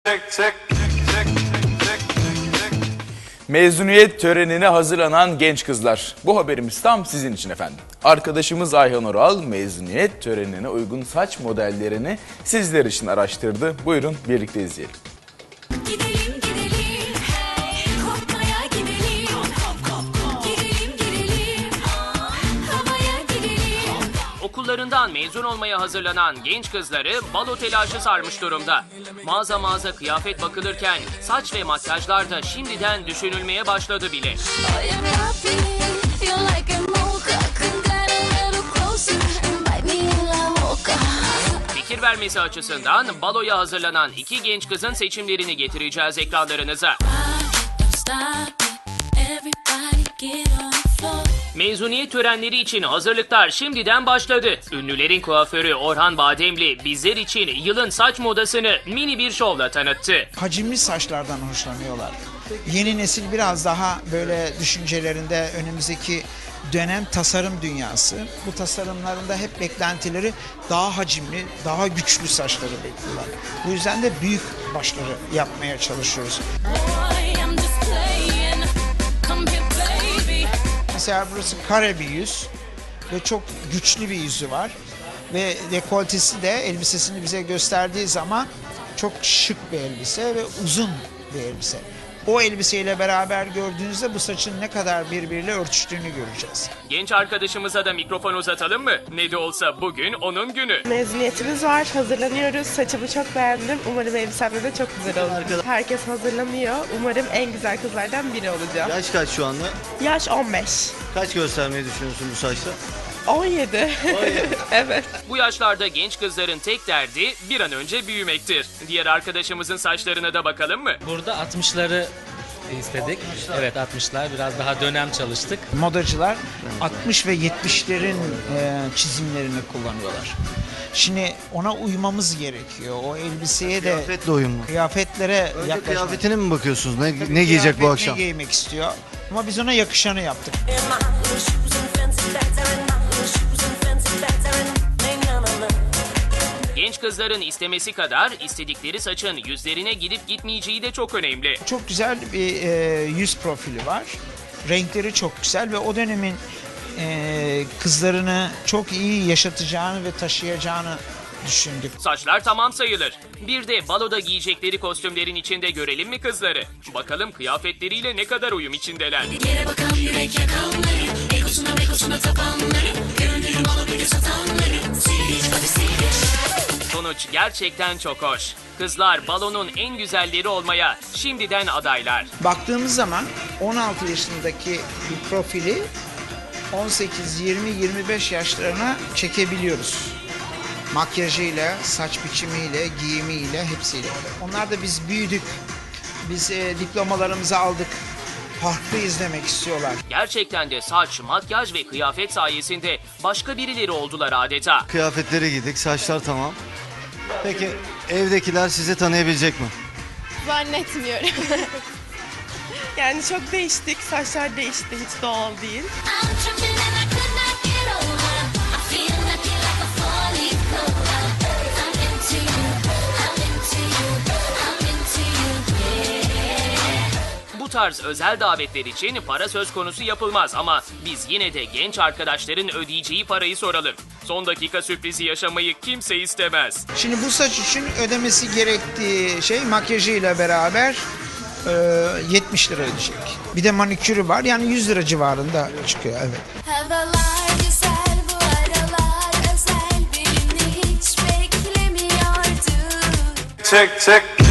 Mezuniyet törenine hazırlanan genç kızlar. Bu haberimiz tam sizin için efendim. Arkadaşımız Ayhan Oral mezuniyet törenine uygun saç modellerini sizler için araştırdı. Buyurun birlikte izleyelim. Gidelim gidelim, hey, kopmaya gidelim. Gidelim havaya gidelim. Okullarından mezun olmaya hazırlanan genç kızları balo telaşı sarmış durumda. Mağaza mağaza kıyafet bakılırken saç ve makyajlar da şimdiden düşünülmeye başladı bile. Fikir vermesi açısından baloya hazırlanan iki genç kızın seçimlerini getireceğiz ekranlarınıza. Mezuniyet törenleri için hazırlıklar şimdiden başladı. Ünlülerin kuaförü Orhan Bademli bizler için yılın saç modasını mini bir şovla tanıttı. Hacimli saçlardan hoşlanıyorlar. Yeni nesil biraz daha böyle düşüncelerinde önümüzdeki dönem tasarım dünyası. Bu tasarımlarında hep beklentileri daha hacimli, daha güçlü saçları bekliyorlar. Bu yüzden de büyük başları yapmaya çalışıyoruz. Mesela burası kare bir yüz ve çok güçlü bir yüzü var. Ve dekoltesi de elbisesini bize gösterdiği zaman çok şık bir elbise ve uzun bir elbise. O elbiseyle beraber gördüğünüzde bu saçın ne kadar birbiriyle örtüştüğünü göreceğiz. Genç arkadaşımıza da mikrofon uzatalım mı? Ne de olsa bugün onun günü. Mezuniyetimiz var, hazırlanıyoruz. Saçımı çok beğendim. Umarım elbisemde de çok güzel olur. Herkes hazırlanıyor. Umarım en güzel kızlardan biri olacağım. Yaş kaç şu anda? Yaş 15. Kaç göstermeyi düşünüyorsun bu saçta? 17. Evet. Bu yaşlarda genç kızların tek derdi bir an önce büyümektir. Diğer arkadaşımızın saçlarına da bakalım mı? Burada 60'ları istedik. Evet 60'lar biraz daha dönem çalıştık. Modacılar 60 ve 70'lerin çizimlerini kullanıyorlar. Şimdi ona uymamız gerekiyor. O elbiseye de Kıyafetle uyum mu? kıyafetlere Önce yaklaşmak. kıyafetine mi bakıyorsunuz? Ne giyecek bu Kıyafet akşam? Ne giymek istiyor? Ama biz ona yakışanı yaptık. Genç kızların istemesi kadar istedikleri saçın yüzlerine gidip gitmeyeceği de çok önemli. Çok güzel bir yüz profili var. Renkleri çok güzel ve o dönemin kızlarını çok iyi yaşatacağını ve taşıyacağını düşündük. Saçlar tamam sayılır. Bir de baloda giyecekleri kostümlerin içinde görelim mi kızları? Bakalım kıyafetleriyle ne kadar uyum içindeler. Yere bakan yürek yakanları, egosuna tapanları, görünürüm alabilir satanları. Sonuç gerçekten çok hoş. Kızlar balonun en güzelleri olmaya şimdiden adaylar. Baktığımız zaman 16 yaşındaki bir profili 18, 20, 25 yaşlarına çekebiliyoruz. Makyajıyla, saç biçimiyle, giyimiyle, hepsiyle. Onlar da biz büyüdük, biz diplomalarımızı aldık, farklı izlemek istiyorlar. Gerçekten de saç, makyaj ve kıyafet sayesinde başka birileri oldular adeta. Kıyafetleri giydik, saçlar tamam. Peki evdekiler sizi tanıyabilecek mi? Zannetmiyorum. Yani çok değiştik. Saçlar değişti. Hiç doğal değil. Bu tarz özel davetler için para söz konusu yapılmaz ama biz yine de genç arkadaşların ödeyeceği parayı soralım. Son dakika sürprizi yaşamayı kimse istemez. Şimdi bu saç için ödemesi gerektiği şey makyajıyla beraber 70 lira ödeyecek. Bir de manikürü var, yani 100 lira civarında çıkıyor, evet. Havalar güzel, bu aralar özel, birini hiç beklemiyordum. Çek.